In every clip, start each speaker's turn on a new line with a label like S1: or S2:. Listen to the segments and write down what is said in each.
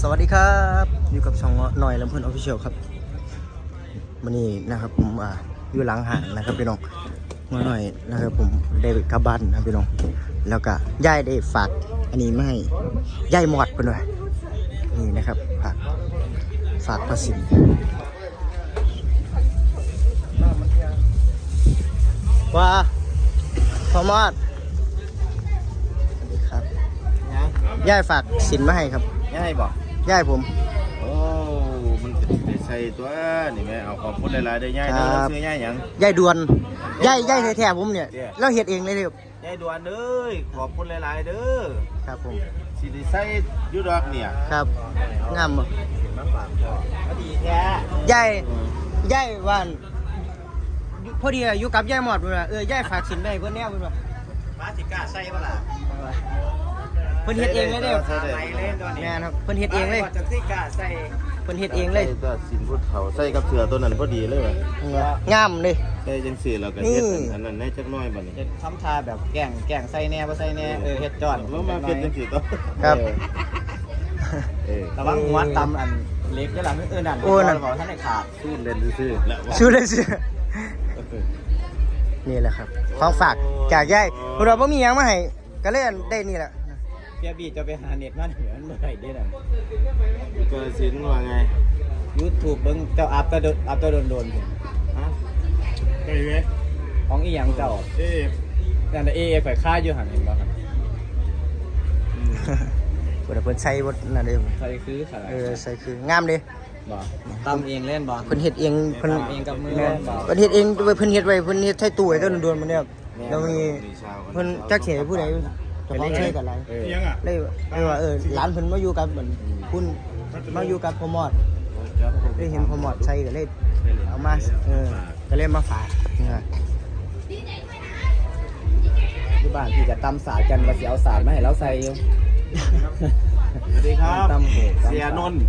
S1: สวัสดีครับอยู่กับช่องหน่อยลำเพลินออฟฟิเชียลครับวันนี้นะครับผมอยู่หลังห้างนะครับพี่น้องมาหน่อยนะครับผมได้กลับบ้านนะพี่น้องแล้วก็ย่ายได้ฝากอันนี้มาให้ย่ายหมอดไปหน่อยนี่นะครับฝากประสิทธิ์ว่าพอมอดสวัสดีครับย่ายฝากสินมาให้ครับ
S2: ย่ายบอก
S1: ย่ายผม
S2: โอ้มันจะได้ใส่ตัวนี่แม่เอาขอบคุณหลายๆได้ย่ายเด้อแล้วซื้อย่ายหยัง
S1: ย่ายดวนย่ายแท้ๆผมเนี่ยเราเฮ็ดเองเลยครับ
S2: ย่ายดวนเด้อขอบคุณหลายๆเด้อ
S1: ครับผม
S2: สิได้ใส่อยู่ดอกเนี่ย
S1: ครับงามบ่
S2: มาฝากพ่อพอดีแท้
S1: ย่ายว่านพอดีอยู่กับย่ายหมอดเพิ่นว่าย่ายฝากสินไปให้เพิ่นแนวเพิ่นว่า
S2: ฟ้าสิกล้าใส่บ่ล่ะ
S1: เพิ่นเฮ็ดเองเลยเด้อแม่นครับเพิ่นเฮ็ดเองเลย
S2: จักสิกล้าใส่
S1: เพิ่นเฮ็ดเองเลย
S2: ก็สินพุทธเขาใส่กับเสือตัวนั้นพอดีเลยว่ะ
S1: งามเลย
S2: ใส่จังซี่แล้วก็เฮ็ดอันนั้นให้จักหน่อยบัดนี้
S3: เฮ็ดทำทาแบบแกงใส่แน่บ่ใส่แน่เฮ็ดจอด
S2: แล้วมาเป็นจังซี่ต่อ
S1: ครับ
S3: ระวังหัวตำอันเล็กแล้วล่ะนั่นบ่ทันได้ขาด
S2: สู้เล่นซื่อแล้ว
S1: สู้เล่นซื่อนี่แหละครับของฝากจากย่ายพวกเราบ่มีหยังมาให้ก็เลยได้นี่แหละ
S3: เปียบีจะไปหาเน็ตมาเหนือมันบ่ได้เด้นั่น
S2: ก็สินว่าไง
S3: YouTube เบิ่งเจ้าอัพตะโดน
S2: ฮะไกเว้
S3: ของอีหยังเจ้านั่นน่ะข่อยค่าอยู่หั่นเห็นบ่ครับ
S1: เพิ่นใส่บ่นั่นเด้
S3: ใส่คือ
S1: ใส่คืองามเด้
S3: บ่ตำเองเล่นบ่
S1: เพิ่นเฮ็ดเอง
S3: เพิ่นเองกับมือบ่
S1: เพิ่นเฮ็ดเองเพิ่นเฮ็ดไว้เพิ่นเฮ็ดใส่ตู้ไว้ต้นโดนมันเนี่ยแล้วมีเพิ่นจักสิให้ผู้ใดจะมาใช้กันอะไรเลยว่าหลานเพิ่นมาอยู่กับเหมือนคุณมาอยู่กับพ่อมอดได้เห็นพ่อมอดใช้ก็เลยเอามาก็เลยมาฝาก
S3: ที่บ้านพี่จะตำสาดกันว่าสิเอาสาดมาให้เราใส่อยู่
S2: สวัสดีครับเสียนนท์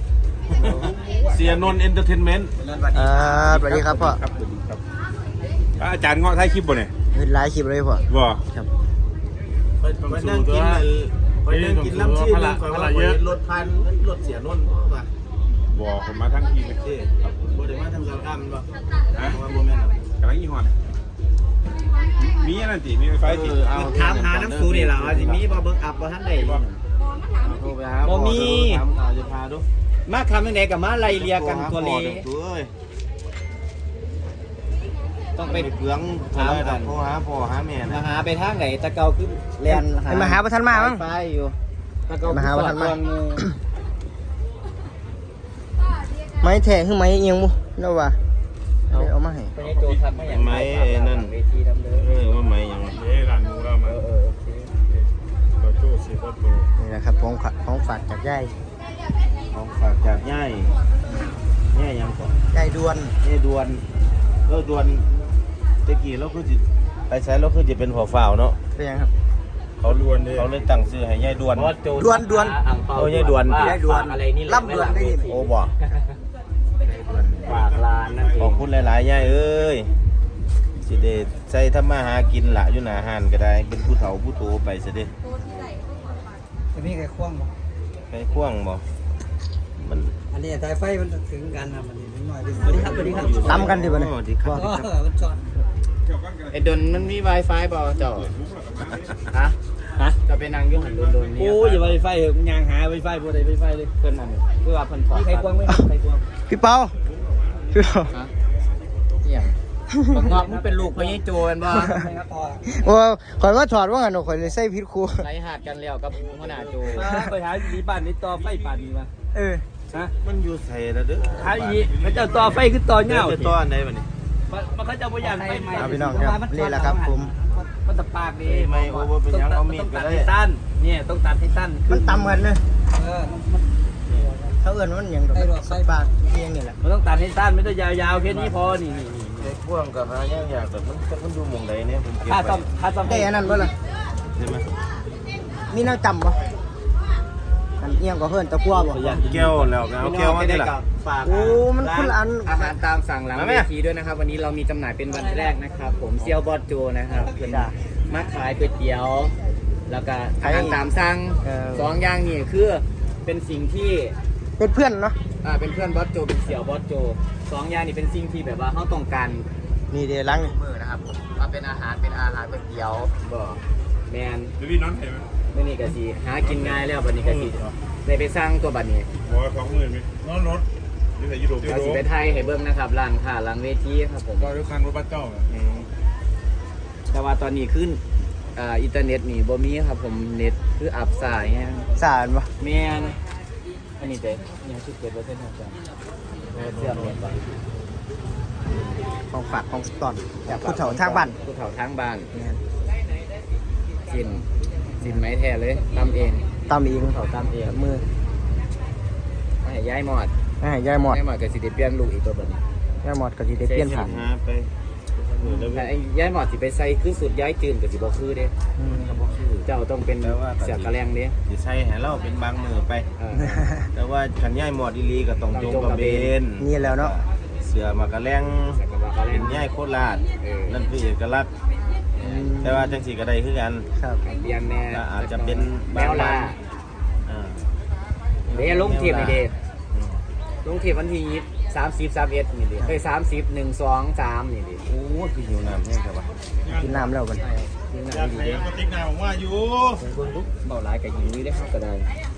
S2: เอนเตอร์เทนเมนต์
S1: สวัสดีครับพ่อ
S2: ครับสวัสดีครับอาจารย์เงาะท้ายคลิปบ่เนี่ย
S1: เห็นหลายคลิปเลยพ่อ
S2: บ่
S1: ครับ
S2: ไปนั่งกินล้ำชื่อเลยก่อนว่ารถพันรถเสียนนท์ป่ะ
S4: บ่ผมมาทั้งทีเลย
S2: บ่ได้มาทำสารกรรมป่ะฮะว่าโมเมนต์
S4: กำลังยี่ห้อมีอะไรติมีไฟติ
S3: ถามหาน้ำสูนี่ล่ะว่าสิมีบ่เบิ่งอัพบ่ทันได้บ่
S2: โทรไปหา
S3: บ่มี
S2: จะพาดู
S3: มาคำจังได๋ก็มาไล่เลียกันตัวเลต้องไป
S2: เปลืองถามกันโทรหาพ่อหาแม่นะ
S3: มาหาไปทางไหนตะเกาคือแล่นหา
S1: มาหาบ่ทันมามั้ง
S3: ไฟอยู่ตะเกา
S1: มาหาบ่ทันมาไม้แท้คือไม้เอียงบ่เนาะว่าเอามาให้
S3: ไปโจทัดมาอย่าง
S2: ไม้นั่น
S3: เวทีดำเด้อ
S2: ว่าไม้ยัง
S4: ร้านหมูแล้วมาโอเคโจ้สิโต
S1: นี่แหละครับของฝากจากย่าย
S2: ของฝากจากย่ายยังก่อน
S1: ย่ายดวน
S2: ดวนตะกี้เราคือจิไปใช้เราคือจะเป็นหัวฝ่าวเนาะ
S1: เป็นยังครับ
S2: เขาเลยตั้งชื่อให้ย่ายดวน
S1: โอ้
S2: ย่ายดวน
S3: อะไรนี่
S1: ล่ำดวนได้ยิน
S2: โอ้บ่
S3: ฝากร้านนั่นเอง
S2: ขอบคุณหลายๆย่ายเอ้ยสิเดใส่ทำมาหากินละอยู่หน้าห้านก็ได้เป็นผู้เฒ่าผู้โตไปซะเด้
S3: จะมีไก่ควงบ่
S2: ไก่ควงบ่มัน
S3: อันนี้สายไฟมันถึงกันนะมันนิดหน่อยสวัสดีครับ
S1: ซ้ำกันดิบ่เนี่ย
S2: สวัสดีครับ
S3: มันช็อตไอ้ดนมันมี Wi-Fi บ่เจ้าฮะจะไปนั่งอยู่หันโดนๆนี่
S1: โอ้ยอย่า Wi-Fi เหอะยางหา Wi-Fi บ่ได้ Wi-Fi เลย
S3: เพิ่นนั่นเพื่อว่าเพิ่นถอดใครควงไม่ใครควง
S1: พี่เปา
S3: ฮะเหี้ยบักงอกมันเป็นลูกพ่อใหญ่โจกันบ่
S1: โอ้ข่อยว่าถอดว่างั้นข่อยเลยใส่ผิดครู
S3: ไล่หาดกันแล้วกับหัวหน้าโจ
S4: ไปหาดีบ้านนี่ต่อไฟป่านนี้มา
S2: ฮะมันอยู่ใส่แล้วเด้อ
S4: หาอีเขาเจ้าต่อไฟคือต่อเหงา
S2: จะต่ออันใดบัดนี้
S4: มันเขาเจ้าบ่อยากไป
S1: พี่น้องครับนี่แหละครับผม
S4: มันตะปากดี
S2: ไม่โอ้บ่เป็นหยังเอามีดก็ได้
S4: สั้นเนี่ยต้องตัดให้สั้น
S1: มันต่ำกันเลยเขาเอิ้นมันหยังดอกสับปากเพียงนี่แหละ
S4: มันต้องตัดให้สั้นไม่ต้องยาวๆแค่นี้พอนี่
S2: ไอ้พ่วงกับหายากแบบมันดูหม่องใดเนี่ยผมเก็บ
S4: ค่าซ่อม
S1: ได้อันนั้นบ่ล่ะ
S2: ใช่มั้ย
S1: มีแนวจำบ่อันเอียงก็เพิ่นตะกั่วบ่
S2: แก้วแล้วเอาแก้วมาได้ล่ะ
S1: โอ้มันคนละอัน
S3: อาหารตามสั่งหลังเวทีด้วยนะครับวันนี้เรามีจำหน่ายเป็นวันแรกนะครับผมเซียวบอดโจนะครับเพิ่นมาขายก๋วยเตี๋ยวแล้วก็อาหารตามสั่ง2อย่างนี่คือเป็นสิ่งที่
S1: เป็นเพื่อนเนาะ
S3: เป็นเพื่อนบอสโจเป็นเสี่ยวบอสโจสองอย่างนี้เป็นสิ่งที่แบบว่าเขาต้องการ
S1: นี่เดี๋ยวล้างนี่
S3: มือนะครับผมว่าเป็นอาหารก๋วยเตี๋ยวบ่แมน
S4: เดี๋ยวพี่น้องเห็นไหม
S3: เมื่อนี้ก็สิหากินง่ายแล้วบัดนี้ก็สิได้ไปสร้างตัวบัดนี้
S4: บอกว่า20,000ไหมน้องรถนี่ใส่ยูโร
S3: เราสิไปไทยให้เบิ่งนะครับร้านค้าร้านเวทีครับผม
S4: ก็ด้วยคันรถบัสเจ้า
S3: แต่ว่าตอนนี้ขึ้นอินเทอร์เน็ตนี่บ่มีครับผมเน็ตคืออับสายแฮง
S1: สารปะ
S3: แมนอันนี้เด้ยังคิดเกิดว่าเส้นทางการเสื่อมเน็ตบ่
S1: ของฝากของตอนจากผู้เฒ่าทางบ้าน
S3: ผู้เฒ่าทางบ้าน
S1: เนี่ย
S3: สินไม้แท้เลยตำเอง
S1: ตามเอง
S3: ผู้เฒ่าตำเอง
S1: มือ
S3: ไม่ให้ย้ายหมอด
S1: ให้ยายหมอด
S3: ย้ายหมอดก็สิได้เปลี่ยนลูกอีกตัวบัดนี้
S1: ยายหมอดก็สิได้เปลี่ยนผ่าน
S2: หาไปแล้ว
S3: แต่ไอ้ย้ายหมอดสิไปใส่คือสุดย้ายจืนก็สิบ่คือเด้
S1: อืม
S3: เจ้าต้องเป็นเสือกระแลงเด้
S2: สิใช้ให้เราเป็นบางมือไป
S3: เออ
S2: แต่ว่าขันย่ายหมอดอีหลีก็ต้องจงกระเบน
S1: นี่แล้วเนาะ
S2: เสือมากระแลง
S3: เสือกระแล
S2: เป็
S3: ง
S2: นย่ายโคราช นั่นคือเอกลักษณ์
S1: อืม
S2: แต่ว่าจังสีก็ได้คือกัน
S1: ครับ
S3: เปลี่ยนแน่
S2: และอาจจะเป็น
S3: แมวล่า
S2: อ่า
S3: เด้ลงเทียบนี่เด้ลงเทียบวันที่30 31นี่เด้เอ้ย30 1 2 3นี่เด้
S2: โอ้ยคือหิวน้ำแห้งครับวะ
S1: กินน้ำแล้วกัน
S3: นี่
S4: อยา
S3: น่าก ดี
S4: ให้
S3: เด้
S4: กระติกน้ำผมว่าอยู่
S3: เบิ่งลุกเบาหลายก็หิวอยู่เด้ครับก็ได้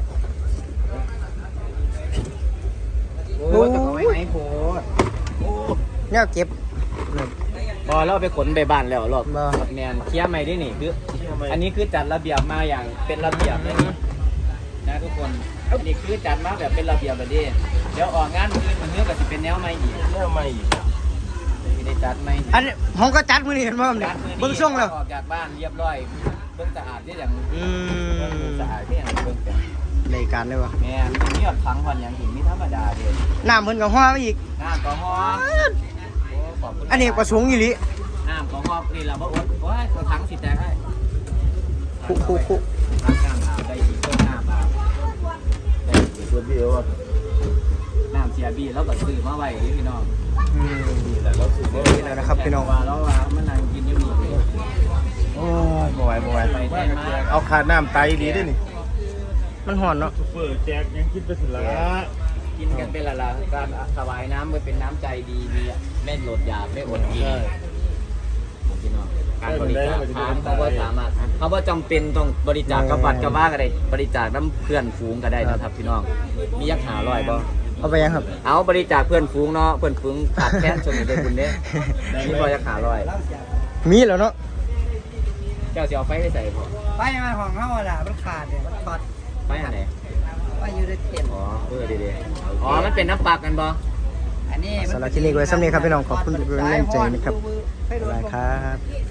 S3: โอ้ยแต่ก็ไว้ไหนโพด
S1: เนี่ยเก็บเนี่ย
S3: พอเราไปขนไปบ้านแล้วรอบ
S1: บ่
S3: แมนเคลียร์ใหม่ด้วยนี่คืออันนี้คือจัดระเบียบมาอย่างเป็นระเบียบเลยนะทุกคนอันนี้คือจัดมาแบบเป็นระเบียบแบบนี้เดี๋ยวออกงานอื่นมันเนื้อก็จะเป็นแนวใหม่อีก
S2: แม่ไม่อีก
S3: ไม่ได้จัดใหม่
S1: อันนี้ผมก็จัดมือนี่เห็นบ่ครับเนี่ย
S3: จัดมื้อนี้
S1: เบิ่งช่วงแล้ว
S3: ออกจากบ้านเรียบร้อยเบิ่งสะอาดได้อย่าง
S1: อื
S3: เบิ่ง
S1: ม
S3: สะอาดได้อย่างเบิ่งจัง
S1: รายการได้ปะ
S3: แม่นมีหยดพังพันอย่างถึงมีธรรมดาเด้
S1: น้ำเพิ่นก็ฮ้อมาอีก
S3: น้ำก็ฮอโอ้ขอบคุณ
S1: อันนี้ประสงค์อีหลี
S3: น้ำก็ฮอนี่ล่ะบ่อดโอ้ยตัวถังสิแตกให้
S1: คุ
S3: ล้างน้ำอาบได้อีกเพิ่มน้ำอาบได้อีก
S2: ส่วนพี่เอ๋ว่า
S3: น้ำเสียบีแล้วก็ซื้อมาไว้ที่พี่น้อง
S1: อืม
S2: นี่แหละเราสุด
S1: นี่แหละนะครับพี่น้อง
S3: ว่าแล้วว่ามันนั่งกินอยู่นี่
S2: โอ้ยบ่ไหวบ่ไหว
S3: ไปได้มา
S2: เอาขาดน้ำไตดีด้วยนี่
S1: มันห่อนเนาะ
S4: ซุปเปอร์แจกยังคิดไปสุดละ
S3: กินกันเป็นละการถวายน้ำมันเป็นน้ำใจดีมีไม่หลดอยากไม่อดกินพี่น้องการบริจาคทานเขาก็สามารถเขาว่าจำเป็นต้องบริจาคกับวัดกับว่าก็ได้บริจาคน้ำเพื่อนฝูงก็ได้นะครับพี่น้องมียักษ์หาลอยบ่
S1: เอาไปยังครับ
S3: เอาบริจาคเพื่อนฝูงเนาะเพื่อนฝูงขาดแคลนชนได้คุณเด้นี่บ่ยักษ์หาลอย
S1: มีแล้วเนาะ
S3: เจ้าสิเอาไฟไปใส่พอ
S5: ไปมาของเขาอะล่ะมันขาดเนี่ยมันช็อต
S3: ไฟอันไหน
S5: ว่าอยู่ในเต็นท์
S3: อ๋อดีๆอ๋อมันเป็นน้ำปลากันบ่
S5: อันนี้
S1: สำหรับคลิปนี้ไว้สำเร็จครับพี่น้องขอบคุณทุกกำลังใจนะครับ
S5: ให้โด
S1: บ๊าย
S5: น
S1: บายครับ